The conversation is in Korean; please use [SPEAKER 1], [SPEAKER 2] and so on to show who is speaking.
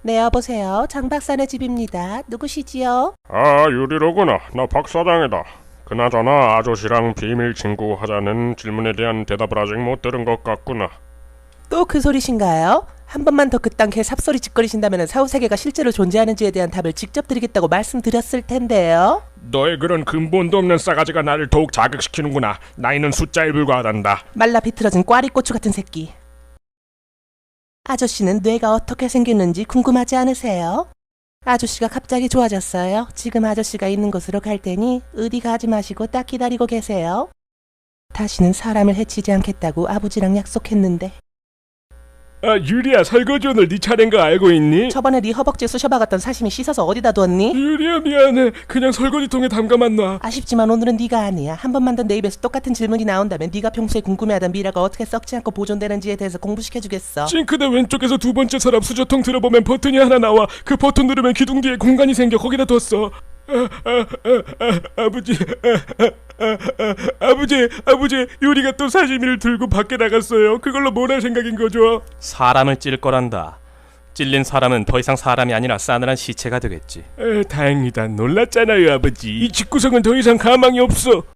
[SPEAKER 1] 네, 여보세요. 장 박사네 집입니다. 누구시지요?
[SPEAKER 2] 아, 유리로구나. 나 박사장이다. 그나저나 아저씨랑 비밀 친구 하자는 질문에 대한 대답을 아직 못 들은 것 같구나.
[SPEAKER 1] 또 그 소리신가요? 한 번만 더 그딴 개 삽소리 짓거리신다면 사후세계가 실제로 존재하는지에 대한 답을 직접 드리겠다고 말씀드렸을 텐데요.
[SPEAKER 2] 너의 그런 근본도 없는 싸가지가 나를 더욱 자극시키는구나. 나이는 숫자에 불과하단다.
[SPEAKER 1] 말라 비틀어진 꽈리고추 같은 새끼. 아저씨는 뇌가 어떻게 생겼는지 궁금하지 않으세요? 아저씨가 갑자기 좋아졌어요. 지금 아저씨가 있는 곳으로 갈 테니 어디 가지 마시고 딱 기다리고 계세요. 다시는 사람을 해치지 않겠다고 아버지랑 약속했는데.
[SPEAKER 2] 아, 유리야, 설거지 오늘 네 차례인 거 알고 있니?
[SPEAKER 1] 저번에 네 허벅지에 쑤셔박았던 사시미 씻어서 어디다 뒀니?
[SPEAKER 2] 유리야, 미안해. 그냥 설거지통에 담가만 놔.
[SPEAKER 1] 아쉽지만 오늘은 네가 아니야. 한 번만 더 내 입에서 똑같은 질문이 나온다면 네가 평소에 궁금해하던 미라가 어떻게 썩지 않고 보존되는지에 대해서 공부시켜주겠어.
[SPEAKER 2] 싱크대 왼쪽에서 두 번째 서랍 수저통 들어보면 버튼이 하나 나와. 그 버튼 누르면 기둥 뒤에 공간이 생겨. 거기다 뒀어. 아버지, 아버지, 유리가 또 사시미를 들고 밖에 나갔어요. 그걸로 뭘 할 생각인 거죠?
[SPEAKER 3] 사람을 찔 거란다. 찔린 사람은 더 이상 사람이 아니라 싸늘한 시체가 되겠지.
[SPEAKER 2] 다행이다. 놀랐잖아요, 아버지. 이 집구석은 더 이상 가망이 없어.